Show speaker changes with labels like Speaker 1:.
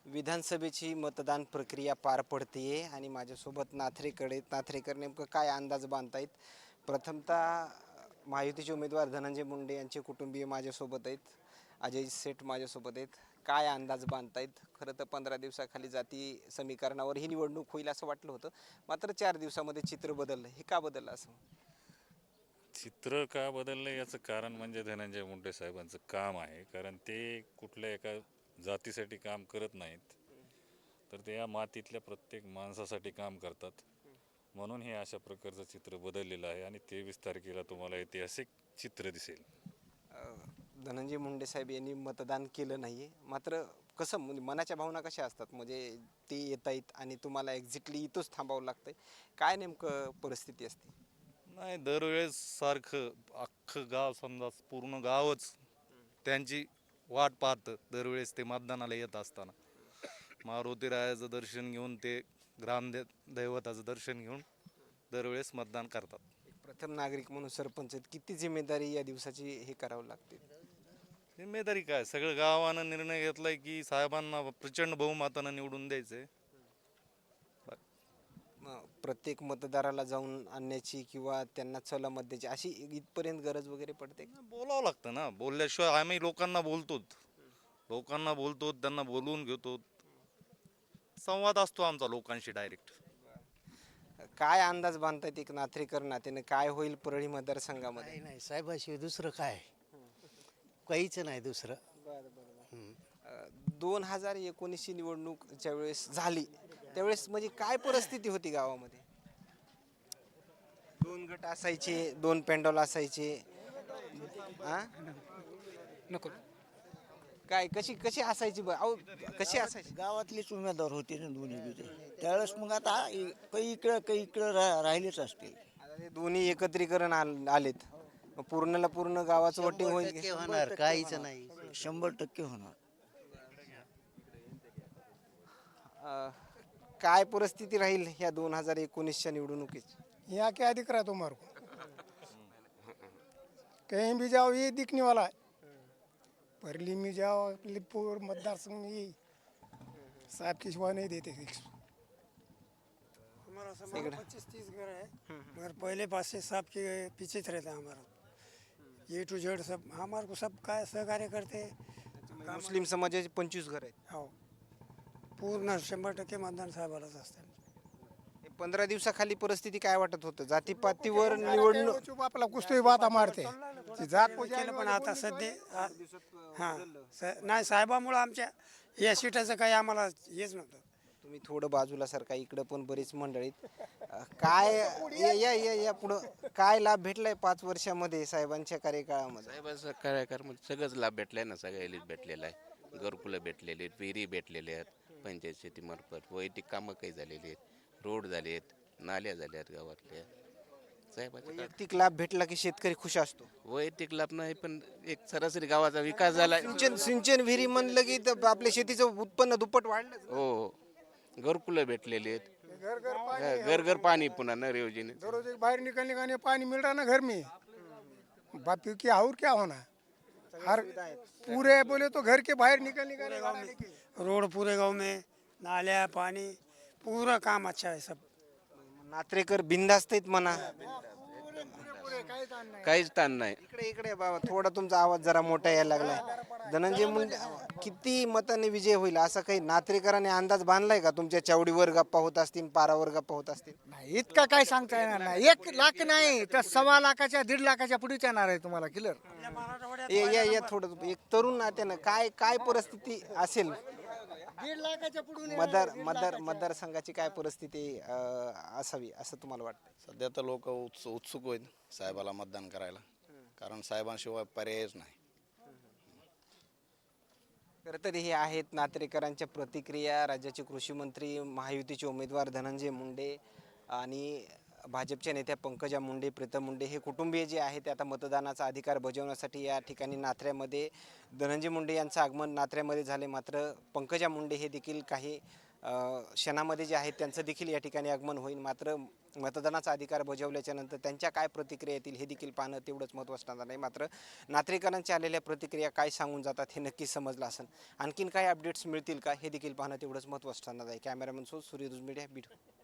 Speaker 1: विधानसभेची मतदान प्रक्रिया पार पडते आणि माझ्यासोबत नाथरेकर नेमकं काय अंदाज बांधतायत. प्रथमतः महायुतीचे उमेदवार धनंजय मुंडे यांचे कुटुंबीय माझ्यासोबत आहेत. अजय सेठ माझ्यासोबत आहेत. काय अंदाज बांधतायत. खरं तर 15 दिवसाखाली जाती समीकरणावर ही निवडणूक होईल असं वाटलं होतं, मात्र 4 दिवसामध्ये चित्र बदललं. हे का बदललं असं?
Speaker 2: चित्र का बदललं याचं कारण म्हणजे धनंजय मुंडे साहेबांचं काम आहे. कारण ते कुठल्या एका जातीसाठी काम करत नाहीत, तर ते या मातीतल्या प्रत्येक माणसासाठी काम करतात. म्हणून हे अशा प्रकारचं चित्र बदललेलं आहे आणि 23 तारखेला तुम्हाला ऐतिहासिक चित्र दिसेल.
Speaker 1: धनंजय मुंडे साहेब यांनी मतदान केलं नाही, मात्र कसं म्हणजे मनाच्या भावना कशा असतात? म्हणजे ते येत आहेत आणि तुम्हाला एक्झॅक्टली इथंच थांबावं लागतंय. काय नेमकं परिस्थिती असते?
Speaker 2: नाही, दरवेळेस सारखं अख्खं गाव, समजा पूर्ण गावच त्यांची वाट पाहतं दरवेळेस ते मतदानाला येत असताना. मारुतीरायाचं दर्शन घेऊन ते दैवताचं दर्शन घेऊन दरवेळेस मतदान करतात.
Speaker 1: एक प्रथम नागरिक म्हणून सरपंच आहेत, किती जिम्मेदारी या दिवसाची हे करावं लागते?
Speaker 2: जिम्मेदारी काय, सगळं गावानं निर्णय घेतलाय की साहेबांना प्रचंड बहुमतानं निवडून द्यायचंय.
Speaker 1: प्रत्येक मतदाराला जाऊन आणण्याची किंवा त्यांना चला मत द्यायची अशी इथपर्यंत गरज वगैरे पडते का?
Speaker 2: बोलावं लागतं ना, बोलल्याशिवाय आम्ही लोकांना बोलतो, त्यांना बोलवून घेतो. संवाद असतो आमचा लोकांशी डायरेक्ट.
Speaker 1: काय अंदाज बांधतायत एक नाथरेकर नात्याने, काय होईल परळी मतदारसंघामध्ये?
Speaker 3: काही नाही साहेबाशिवाय दुसरं काय, काहीच नाही दुसरं.
Speaker 1: 2019ची निवडणूक ज्यावेळेस झाली त्यावेळेस म्हणजे काय परिस्थिती होती गावामध्ये? 2 गट असायचे, 2 पेंडॉल असायचे. हा?
Speaker 3: नको,
Speaker 1: काय कशी कशी असायची अहो, कशी असायची?
Speaker 3: गावातलेच उमेदवार होते ना दोन्ही बिजे. त्यावेळेस मग आता काही इकडं राहिलेच असतील.
Speaker 1: आता ते दोन्ही एकत्रीकरण आलेत, मग पूर्णला पूर्ण गावाचं वोटिंग होईल
Speaker 3: टक्के होणार, काहीच नाही. 100% होणार.
Speaker 1: अं, काय परिस्थिती राहील ह्या 2019च्या निवडणुकीची?
Speaker 4: यहाँ क्या दिख रहा है तुम्हारे को? कहीं भी जाओ ये दिखने वाला है। परली में जाओ, लिपुर मतदार संघ में ये साहब की सिवा नहीं देते फिक्स। हमारा समाज 25-30 घर है, मगर पहले पास से साहब के पीछे से रहता है हमारा। ए टू जेड सब हमारे को सब काय सहकार्य करते हैं।
Speaker 1: मुस्लिम समाजाचे 25 घर आहेत.
Speaker 4: हो, पूर्ण 100% मतदान साहेबालाच असते.
Speaker 1: 15 दिवसाखाली परिस्थिती काय वाटत होतं? जातीपातीवर निवडणूक
Speaker 4: चुप आपला कुस्ती बाता मारते ती जात केलं, पण आता सध्या नाही साहेबामुळं आमच्या या सीटाचं काही आम्हाला हेच नव्हतं.
Speaker 1: तुम्ही थोडं बाजूला सरका, इकडं पण बरीच मंडळीत. काय या पुढं काय लाभ भेटलाय 5 वर्षामध्ये साहेबांच्या कार्यकाळामध्ये?
Speaker 5: साहेबांचा कार्यक्रमात सगळंच लाभ भेटलाय ना, सगळ्यालाच भेटलेला आहे. घरकुलं भेटलेले आहेत, विहिरी भेटलेल्या आहेत पंचायत शेतीमार्फत, वैयक्तिक कामं काही झालेली आहेत, रोड झाले आहेत, नाल्या झाल्या आहेत गावातल्या. साहेबांचं
Speaker 1: वैयक्तिक लाभ भेटला की शेतकरी खुश असतो.
Speaker 5: वैयक्तिक लाभ नाही, पण एक सरासरी गावाचा विकास झाला.
Speaker 1: सिंचन विहिरी म्हणलं की तर आपल्या शेतीचं उत्पन्न दुप्पट वाढलं.
Speaker 5: हो, घरकुलं भेटलेली आहेत, घर पाणी पुन्हा नर योजने.
Speaker 4: रोज एक बाहर निकलने का नहीं पानी मिल रहा ना घर में, बापू की और क्या होना। हर पूरे बोले तो घर के बाहर निकलने का नहीं, रोड पूरे गांव में, नाल्या पानी पूरा काम अच्छा है सब।
Speaker 1: नात्रेकर बिंदास्त आहेत म्हणा.
Speaker 5: काहीच ताण नाही.
Speaker 1: इकडे बाबा, थोडा तुमचा आवाज जरा मोठा यायला लागलाय. धनंजय मुंडे किती मताने विजय होईल असा काही नात्रेकरांनी अंदाज बांधलाय का? तुमच्या चावडीवर गप्पा होत असतील, पारावर गप्पा होत असतील?
Speaker 6: नाही, इतका काय सांगता येणार नाही. 1 लाख नाही तर 1.25 लाखाच्या 1.5 लाखाच्या पुढेच येणार आहे तुम्हाला क्लिअर.
Speaker 1: या थोडं एक तरुण नात्यानं काय काय परिस्थिती असेल?
Speaker 6: 1.5 लाखाच्या पुढे
Speaker 1: मतदारसंघाची काय परिस्थिती असावी असं तुम्हाला वाटतं?
Speaker 7: सध्या तर लोक उत्सुक आहेत साहेबाला मतदान करायला, कारण साहेबांशिवाय पर्यायच नाही.
Speaker 1: खरं तर हे आहेत नात्रेकरांच्या प्रतिक्रिया. राज्याचे कृषी मंत्री, महायुतीचे उमेदवार धनंजय मुंडे आणि भाजपच्या नेत्या पंकजा मुंडे, प्रीतम मुंडे हे कुटुंबीय जे आहेत ते आता मतदानाचा अधिकार बजावण्यासाठी या ठिकाणी नात्र्यामध्ये धनंजय मुंडे यांचं आगमन नात्र्यामध्ये झाले. मात्र पंकजा मुंडे हे देखील काही क्षणामध्ये जे आहेत त्यांचं देखील या ठिकाणी आगमन होईल. मात्र मतदानाचा अधिकार बजावल्याच्या नंतर त्यांच्या काय प्रतिक्रिया येतील हे देखील पाहणं तेवढंच महत्त्वाचं ठरणार नाही. मात्र नात्रेकरांच्या आलेल्या प्रतिक्रिया काय सांगून जातात हे नक्कीच समजलं असेल. आणखीन काही अपडेट्स मिळतील का हे देखील पाहणं तेवढंच महत्त्वाचं ठरणार आहे. कॅमेरामन सूर्यदुज मीडिया बीड.